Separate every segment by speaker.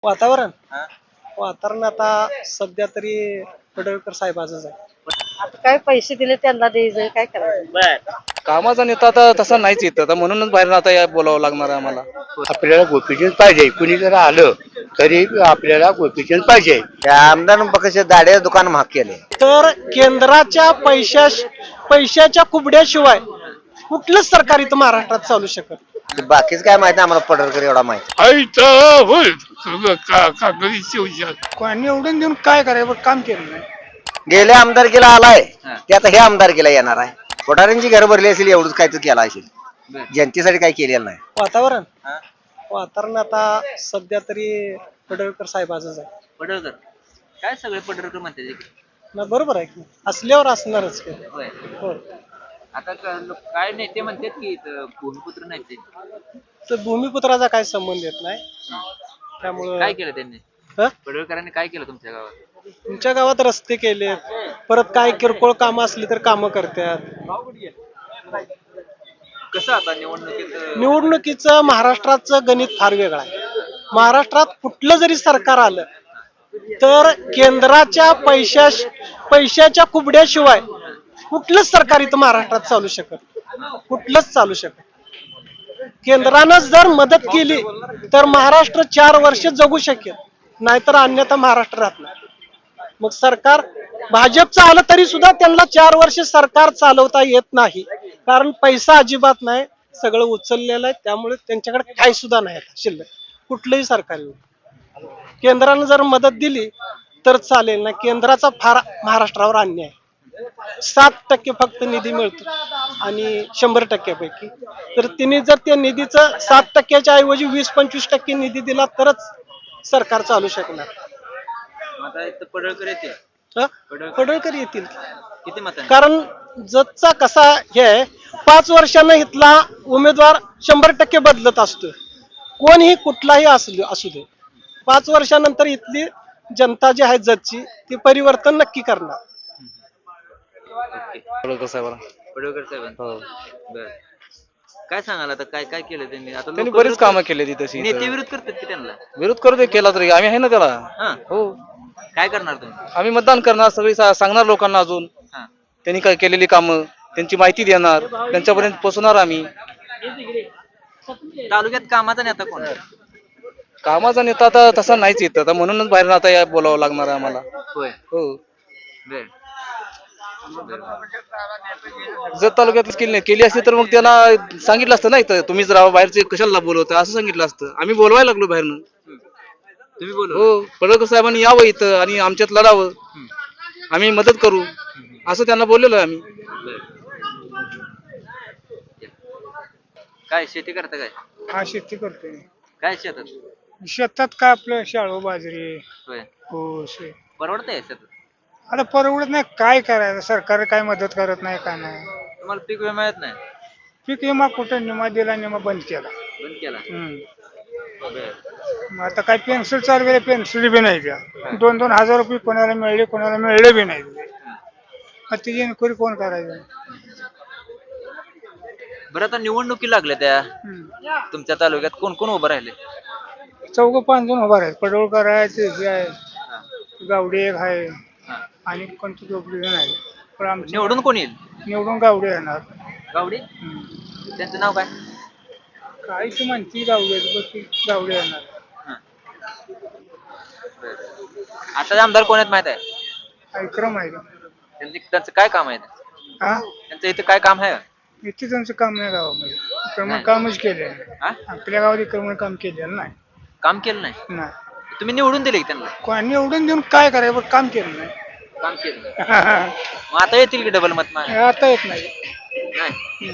Speaker 1: वातावरण
Speaker 2: हा?
Speaker 1: वातावरण आता सध्या तरी पडळकर साहेबाचंच आहे.
Speaker 3: आता काय पैसे दिले त्यांना द्यायचं काय करायचं.
Speaker 2: बर.
Speaker 4: कामाचा नेता आता तसा नाहीच येत आता म्हणूनच बाहेर आता या बोलावं लागणार आहे आम्हाला.
Speaker 5: आपल्याला गोपीचंद पाहिजे. कुणी जर आलं तरी आपल्याला गोपीचंद पाहिजे.
Speaker 2: त्या आमदार पक्ष दाड्या दुकान महाग केले.
Speaker 1: तर केंद्राच्या पैशाच्या कुबड्याशिवाय कुठलंच सरकार इथं महाराष्ट्रात चालू शकत.
Speaker 2: बाकीच काय माहिती आम्हाला पडळकर एवढा माहिती.
Speaker 1: कोणी एवढं देऊन काय करायचं काम केलं नाही.
Speaker 2: गेल्या आमदारकीला आलाय ते आता हे आमदारकीला येणार आहे. कोठाऱ्यांची घर भरली असेल एवढंच काय तर केलं असेल. जनतेसाठी काय केलेलं नाही.
Speaker 1: वातावरण आता सध्या तरी पडळकर साहेबाचंच आहे.
Speaker 6: पडळकर काय सगळे पडळकर म्हणते
Speaker 1: ना बरोबर आहे की असल्यावर असणारच की. हो.
Speaker 6: आता काय नेते म्हणतात की भूमिपुत्र नाही ते
Speaker 1: तर भूमिपुत्राचा काय संबंध येत नाही. त्यामुळं
Speaker 6: काय केलं त्यांनी
Speaker 1: हं?
Speaker 6: पडळकरांनी काय केलं तुमच्या गावात?
Speaker 1: तुमच्या गावात रस्ते केले, परत काय किरकोळ कामं असली तर कामं करतात.
Speaker 6: कसं आता
Speaker 1: निवडणुकीचं महाराष्ट्राचं गणित फार वेगळं आहे. महाराष्ट्रात कुठलं जरी सरकार आलं तर केंद्राच्या पैशाच्या कुबड्याशिवाय कुठलंच सरकार इथं महाराष्ट्रात चालू शकत. कुठलंच चालू शकत. केंद्रानं जर मदत केली तर महाराष्ट्र 4 वर्ष जगू शकेल, नाहीतर अन्यथा महाराष्ट्र राहत नाही. मग सरकार भाजपचं आलं तरी सुद्धा त्यांना 4 वर्ष सरकार चालवता येत नाही, कारण पैसा अजिबात नाही, सगळं उचललेलं आहे. त्यामुळे त्यांच्याकडे काही सुद्धा नाही आता शिल्लक कुठलंही सरकार. केंद्रानं जर मदत दिली तर चालेल ना. केंद्राचा फार महाराष्ट्रावर अन्याय आहे. 7% फक्त निधी मिळतो आणि 100%पैकी तर तिने जर त्या निधीचं 7%च्या ऐवजी 20-25% निधी दिला तरच सरकार चालू शकणार.
Speaker 6: आता इथं पडळकर येते
Speaker 1: पडळकर येतील
Speaker 6: किती मत?
Speaker 1: कारण जतचा कसा हे 5 वर्षांना इथला उमेदवार 100% बदलत असतो. कोणीही कुठलाही असू दे 5 वर्षानंतर इथली जनता जी आहे जतची ती परिवर्तन नक्की करणार.
Speaker 4: पडळकर साहेबाला.
Speaker 6: पडळकर साहेबांनी
Speaker 4: हो.
Speaker 6: बर. काय सांगाल आता काय काय केलं त्यांनी? आता
Speaker 4: त्यांनी
Speaker 6: लोकं
Speaker 4: बरीच
Speaker 6: विरोध
Speaker 4: कामं केली ती तशी.
Speaker 6: नेते विरोध करतात की त्यांना?
Speaker 4: विरोध करू दे, केला तरी आम्ही आहे ना त्याला.
Speaker 6: हा
Speaker 4: हो,
Speaker 6: काय करणार तुम्ही?
Speaker 4: आम्ही मतदान करणार, सगळी सांगणार लोकांना अजून
Speaker 6: हा
Speaker 4: त्यांनी काय केलेली कामं त्यांची माहिती देणार, त्यांच्यापर्यंत पोहोचणार आम्ही.
Speaker 6: तालुक्यात कामाचा नेता कोण?
Speaker 4: कामाचा नेता आता तसा नाहीच येत आता म्हणूनच बाहेर आता या बोलावं लागणार आहे आम्हाला.
Speaker 6: होय.
Speaker 4: हो.
Speaker 6: बर.
Speaker 4: जर तालुक्यात केली असती तर मग त्यांना सांगितलं असतं नाही तर तुम्हीच राहा, बाहेरचे कशाला बोलवता असं सांगितलं असतं. आम्ही बोलवायला लागलो बाहेरनं.
Speaker 6: तुम्ही बोल.
Speaker 4: हो, पडळकर साहेबांनी यावं इथं आणि आमच्यात लढावं, आम्ही मदत करू असं त्यांना बोललेलो आहे आम्ही.
Speaker 6: काय शेती करता काय?
Speaker 1: हा शेती करतोय.
Speaker 6: काय शेतात?
Speaker 1: शेतात काय आपलं शाळू बाजरी
Speaker 6: होय.
Speaker 1: ऊस.
Speaker 6: परवडतंय शेतात?
Speaker 1: आता परवडत नाही, काय करायचं. सरकार काय मदत करत नाही काय नाही.
Speaker 6: तुम्हाला पीक विमा मिळत नाही?
Speaker 1: पीक विमा कुठं निमा दिला, निमा बंद केला.
Speaker 6: बंद केला. बर.
Speaker 1: मग आता काय पेन्सिल चालू केलं, पेन्सिल बी नाही द्या. 2-2 हजार रुपये कोणाला मिळले, कोणाला मिळले बी नाही. मग तिची इन्क्वायरी कोण करायचं.
Speaker 6: बरं आता निवडणुकी लागल्या त्या तुमच्या तालुक्यात कोण कोण उभं राहिले?
Speaker 1: 4-5 जण उभा आहेत. पडळकर आहे, ते हे आहे, गावडे एक आहे आणि कोणते 2 जण आहे. पण आमच्या
Speaker 6: निवडून कोण येईल?
Speaker 1: निवडून गावडे येणार.
Speaker 6: गावडी? त्यांचं नाव काय?
Speaker 1: काय ती म्हणती गावडे येणार.
Speaker 6: आता आमदार कोण आहेत माहित आहे?
Speaker 1: विक्रम आहे.
Speaker 6: त्यांचं काय काम आहे?
Speaker 1: हा,
Speaker 6: त्यांचं इथं काय काम आहे?
Speaker 1: इथे त्यांचं काम नाही गावामध्ये. विक्रमण कामच केले.
Speaker 6: हा?
Speaker 1: आपल्या गावात विक्रमण काम केलेलं नाही.
Speaker 6: काम केलं नाही?
Speaker 1: नाही.
Speaker 6: तुम्ही निवडून दिले की त्यांना?
Speaker 1: कोणी एवढं देऊन काय करायचं, काम केलं नाही.
Speaker 6: काम केलं नाही. मग आता येतील की डबल मत मागे?
Speaker 1: आता येत नाही.
Speaker 6: नाही.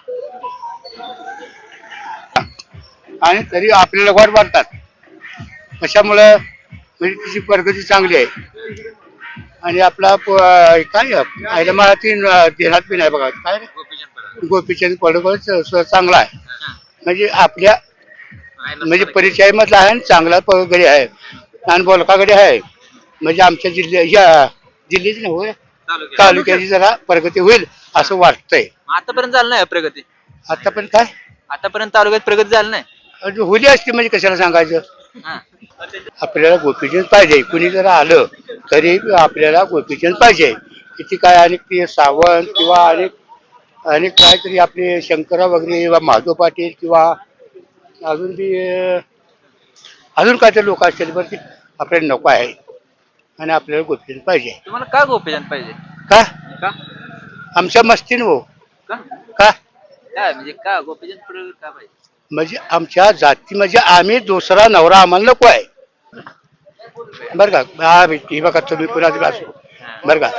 Speaker 5: आणि तरी आपल्याला वाट वाटतात. कशामुळं म्हणजे तिची प्रगती चांगली आहे आणि आपला काय आयला मला ती देण्यात बी नाही बघा. काय गोपीचंद पडळकर चांगला आहे म्हणजे आपल्या म्हणजे परिचयामधला आहे आणि चांगला गडी आहे आणि बोलकागडी आहे. म्हणजे आमच्या जिल्ह्याची नव्हे तालुक्याची जरा प्रगती होईल असं वाटतंय.
Speaker 6: आतापर्यंत झालं नाही प्रगती?
Speaker 5: आतापर्यंत काय
Speaker 6: आतापर्यंत तालुक्यात प्रगती झाली नाही?
Speaker 5: होली असते म्हणजे कशाला सांगायचं.
Speaker 6: हा.
Speaker 5: आपल्याला गोपीचंद पाहिजे. कुणी जर आलं तरी आपल्याला गोपीचंद पाहिजे. किती काय अनेक ते सावंत किंवा अनेक अनेक काहीतरी आपले शंकरराव वगैरे किंवा माधव पाटील किंवा अजून बी अजून काहीतरी लोक असतील बरं ते आपल्याला नको आहे आणि आपल्याला गोपीचंद पाहिजे.
Speaker 6: तुम्हाला का गोपीचंद पाहिजे?
Speaker 5: का
Speaker 6: का
Speaker 5: आमच्या मस्तीनं हो.
Speaker 6: का
Speaker 5: का
Speaker 6: काय म्हणजे का गोपीचंद पडळकर का पाहिजे?
Speaker 5: म्हणजे आमच्या जाती म्हणजे आम्ही दुसरा नवरा आम्हाला नको आहे बरं का. हा ही बघा तुम्ही पुन्हा असो बरं का.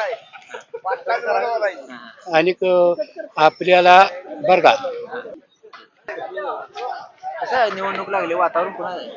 Speaker 5: आणि आपल्याला बरं का
Speaker 6: कसं आहे, निवडणूक लागली, वातावरण कोणाचं आहे?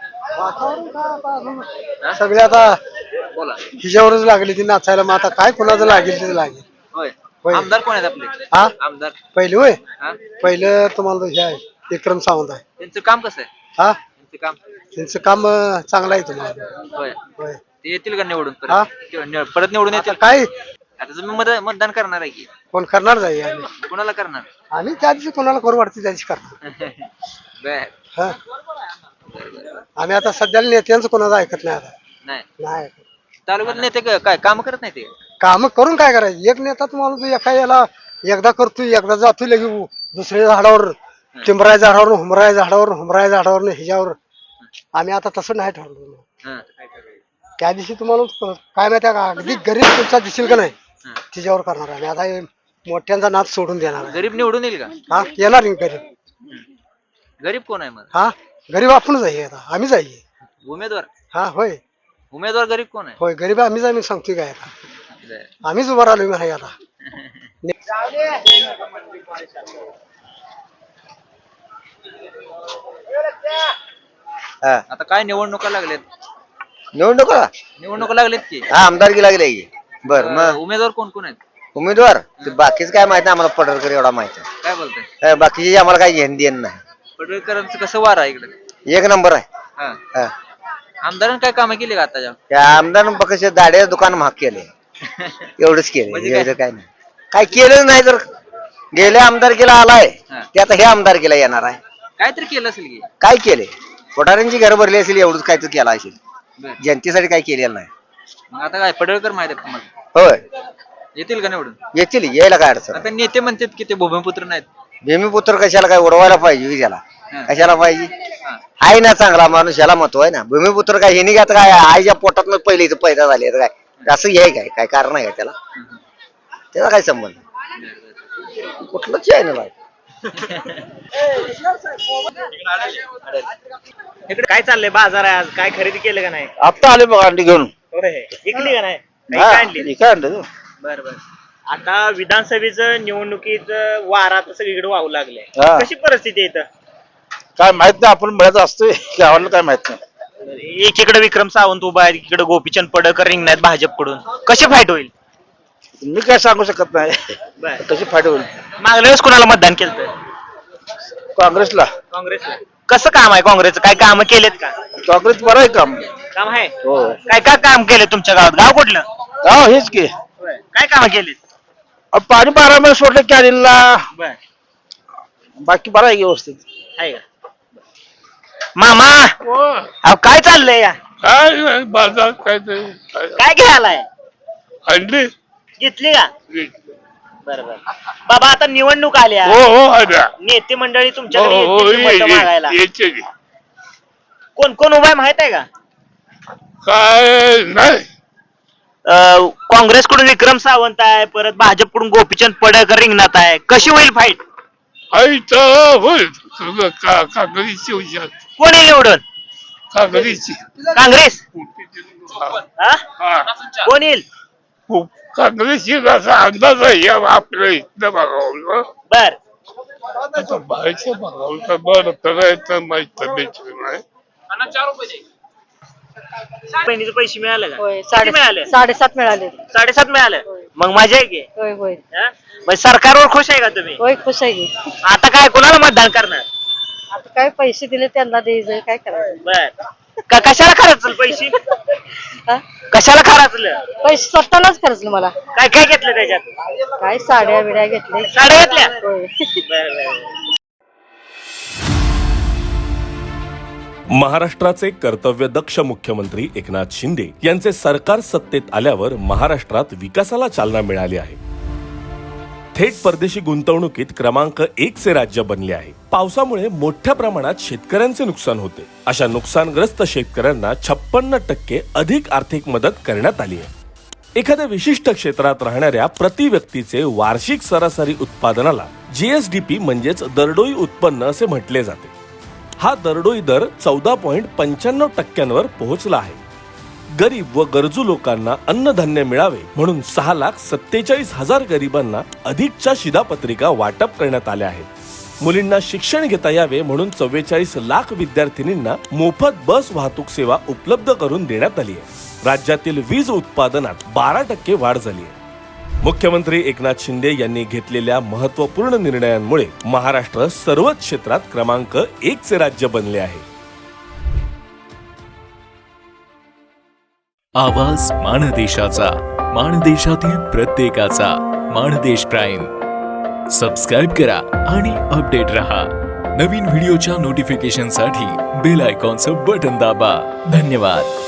Speaker 1: सगळे आता
Speaker 6: बोला.
Speaker 1: हिच्यावरच लागली ती नाचायला. मग आता काय कोणाचं लागेल ते लागेल.
Speaker 6: होय.
Speaker 1: होय.
Speaker 6: आमदार कोण आहेत आपले?
Speaker 1: हा
Speaker 6: आमदार
Speaker 1: पहिले होय.
Speaker 6: हा?
Speaker 1: पहिलं तुम्हाला हे आहे विक्रम सावंत आहे.
Speaker 6: त्यांचं काम कसं आहे?
Speaker 1: हा
Speaker 6: त्यांचं काम
Speaker 1: त्यांचं काम चांगलं आहे तुम्हाला.
Speaker 6: होय.
Speaker 1: होय.
Speaker 6: ते येतील का निवडून
Speaker 1: हा?
Speaker 6: परत निवडून
Speaker 1: आता
Speaker 6: येतील?
Speaker 1: काय
Speaker 6: आता तुम्ही मतदान करणार आहे की
Speaker 1: कोण करणार जाई आम्ही.
Speaker 6: कोणाला करणार?
Speaker 1: आम्ही त्या दिवशी कोणाला करू वाटते त्या दिवशी करणार.
Speaker 6: बर.
Speaker 1: हा आम्ही आता सध्याला नेत्यांचं कोणाचं ऐकत नाही आता.
Speaker 6: नाही
Speaker 1: नाही ऐकत.
Speaker 6: तालुक्यात नेते काय काम करत नाही ते?
Speaker 1: काम करून काय करायचं. एक नेता तुम्हाला तो एका याला एकदा करतोय एकदा जातोय लगे दुसऱ्या झाडावर टिंबराय झाडावर हुमराय झाडावर हुमराय झाडावर ह्याच्यावर. आम्ही आता तसं नाही ठरवलं.
Speaker 6: हा.
Speaker 1: त्या दिवशी तुम्हाला काय माहिती का अगदी गरीब तुमचा दिसेल का नाही तिच्यावर करणार आहे. आता हे मोठ्यांचा नाद सोडून देणार आहे.
Speaker 6: गरीब निवडून येईल का?
Speaker 1: हा येणार नाही गरीब.
Speaker 6: गरीब कोण आहे मग?
Speaker 1: हा गरीब आपणच आहे. आता आम्हीच आहे.
Speaker 6: उमेदवार
Speaker 1: हा होय
Speaker 6: उमेदवार गरीब कोण आहे?
Speaker 1: होय गरीब आम्हीच आहे. मी सांगतोय काय आता
Speaker 6: बर.
Speaker 1: आम्हीच उभा राहिलो आहे आता.
Speaker 2: हा
Speaker 6: आता काय निवडणुका लागल्यात?
Speaker 2: निवडणुका
Speaker 6: लागलेत की
Speaker 2: हा आमदारकी लागली की. बर मग
Speaker 6: उमेदवार कोण कोण आहेत?
Speaker 2: उमेदवार ते बाकीच काय माहिती आम्हाला पडळकर एवढा माहिती आहे.
Speaker 6: काय बोलताय?
Speaker 2: बाकीची आम्हाला काही घेणं देणं नाही.
Speaker 6: पडळकरांचं कसं वार आहे इकडे?
Speaker 2: एक नंबर आहे.
Speaker 6: हा.
Speaker 2: हा.
Speaker 6: आमदारांनी काय कामं केली का आताच्या?
Speaker 2: त्या आमदार फक्त दाड्याचं दुकान महाग केले एवढंच केलं.
Speaker 6: म्हणजे काय?
Speaker 2: एवढं काय नाही काय केलं नाही. तर गेल्या आमदारकीला आलाय
Speaker 6: हा.
Speaker 2: ते आता हे आमदारकीला येणार आहे.
Speaker 6: काहीतरी केलं असेल की.
Speaker 2: काय केले कोठाऱ्यांची घर भरली असेल एवढंच काय तर केलं असेल.
Speaker 6: बर.
Speaker 2: जनतेसाठी काय केलेलं नाही.
Speaker 6: मग आता काय पडळकर माहिती आहे तुम्हाला?
Speaker 2: होय
Speaker 6: येतील का निवडून?
Speaker 2: येतील यायला काय अडचण
Speaker 6: आता नेते म्हणतात की ते भूमिपुत्र नाहीत.
Speaker 2: भूमिपुत्र कशाला काय उडवायला पाहिजे की त्याला
Speaker 6: हा.
Speaker 2: कशाला पाहिजे.
Speaker 6: हा.
Speaker 2: आहे ना चांगला माणूस याला महत्व आहे ना. भूमिपुत्र काय हे नाही आता काय आईच्या पोटात पहिले इथं पैदा झाले तर काय असं हे काय काय कारण आहे का त्याला. त्याचा काय संबंध कुठलंच आहे ना.
Speaker 7: इकडे काय चाललंय? बाजार आहे आज, काय खरेदी केलं का नाही?
Speaker 2: आता आले बघ अंडी घेऊन.
Speaker 7: इकली का नाही? काय आणली?
Speaker 2: काय आणलं
Speaker 7: बर बर. आता विधानसभेचं निवडणुकीत वारा तर सगळीकडे वाहू लागले.
Speaker 2: हा.
Speaker 7: कशी परिस्थिती आहे इथं?
Speaker 2: काय माहित नाही. आपण मिळत असतोय गावाला काय माहित नाही.
Speaker 7: एकीकडे विक्रम सावंत उभा आहे, एकीकडे गोपीचंद पडळकर रिंगणात भाजपकडून. कशी फाईट होईल?
Speaker 2: मी काय सांगू शकत नाही
Speaker 7: बर.
Speaker 2: कशी फाट होईल.
Speaker 7: मागल्या वेळेस कुणाला मतदान केलं?
Speaker 2: काँग्रेसला.
Speaker 7: काँग्रेसला. कसं काम आहे काँग्रेसचं? काय काम केलेत का?
Speaker 2: काँग्रेस बरं आहे काम.
Speaker 7: काम आहे.
Speaker 2: हो
Speaker 7: काय काय काम केले तुमच्या गावात? गाव कुठलं?
Speaker 2: हो हेच की.
Speaker 7: काय काम केलेत?
Speaker 2: पाणी 12 महिने सोडलं कॅनिनला.
Speaker 7: बर.
Speaker 2: बाकी बरं आहे व्यवस्थित.
Speaker 7: आहे का? मामा अहो काय चाललंय या?
Speaker 5: काय बाजार काय
Speaker 7: काय घ्यायलाय?
Speaker 5: अंडी
Speaker 7: घेतली का? बर बर. बाबा आता निवडणूक आल्या,
Speaker 5: हो
Speaker 7: नेते मंडळी तुमच्याकडे येतील मतं मागायला. कोण कोण उभा आहे माहित आहे का?
Speaker 5: काय नाही.
Speaker 7: काँग्रेसकडून विक्रम सावंत आहे, परत भाजपकडून गोपीचंद पडळकर रिंगणात आहे. कशी होईल फाईट?
Speaker 5: होईल काँग्रेसची हुशार
Speaker 7: कोण येईल निवडून?
Speaker 5: काँग्रेसची
Speaker 7: काँग्रेस. हा? कोण येईल?
Speaker 5: काँग्रेसची असा अंदाज आहे आपल्या इथं बघावलं.
Speaker 7: बर.
Speaker 5: आता बाहेरच्या बघावलं बरं तर माहित नाही.
Speaker 7: बहिणीचे पैसे मिळाले का?
Speaker 3: होय
Speaker 7: किती मिळाले?
Speaker 3: 7.5 मिळाले.
Speaker 7: 7.5 मिळाले. मग मजा आहे की?
Speaker 3: होय होय
Speaker 7: हा? मग सरकारवर खुश आहे का तुम्ही?
Speaker 3: होय खुश आहे की.
Speaker 7: आता काय कोणाला मतदान करणार?
Speaker 3: आता काय पैसे दिले त्यांना द्यायचं काय करायचं.
Speaker 7: बर. कशाला खर्चलं पैसे?
Speaker 3: हा?
Speaker 7: कशाला खर्चलं?
Speaker 3: पैसे स्वतःलाच खर्चलं मला.
Speaker 7: काय काय घेतलं त्याच्यात?
Speaker 3: काय साड्या बिड्या घेतल्या.
Speaker 7: साड्या घेतल्या?
Speaker 3: होय.
Speaker 7: बर बर.
Speaker 8: महाराष्ट्राचे कर्तव्यदक्ष मुख्यमंत्री एकनाथ शिंदे यांचे सरकार सत्तेत आल्यावर महाराष्ट्रात विकासाला चालना मिळाली आहे. थेट परदेशी गुंतवणुकीत क्रमांक 1 चे राज्य बनले आहे. पावसामुळे मोठ्या प्रमाणात शेतकऱ्यांचे नुकसान होते. अशा नुकसानग्रस्त शेतकऱ्यांना 56% अधिक आर्थिक मदत करण्यात आली आहे. एखाद्या विशिष्ट क्षेत्रात राहणाऱ्या प्रति व्यक्तीचे वार्षिक सरासरी उत्पादनाला जीएसडीपी म्हणजेच दरडोई उत्पन्न असे म्हटले जाते. हा दरडोई दर 14.95% पोहोचला आहे. गरीब व गरजू लोकांना अन्नधान्य मिळावे म्हणून 6,47,000 गरिबांना अधिकच्या शिधापत्रिका वाटप करण्यात आल्या आहेत. मुलींना शिक्षण घेता यावे म्हणून 44 लाख विद्यार्थिनींना मोफत बस वाहतूक सेवा उपलब्ध करून देण्यात आली आहे. राज्यातील वीज उत्पादनात 12% वाढ झाली आहे. मुख्यमंत्री एकनाथ शिंदे यांनी घेतलेल्या महत्त्वपूर्ण निर्णयांमुळे महाराष्ट्र सर्वच क्षेत्रात क्रमांक 1 चे राज्य बनले आहे.
Speaker 9: आवाज माणदेशाचा, माणदेशातील प्रत्येकाचा. माणदेश प्राईम सबस्क्राईब करा आणि अपडेट रहा. नवीन व्हिडिओच्या नोटिफिकेशनसाठी बेल आयकॉनचं बटन दाबा. धन्यवाद.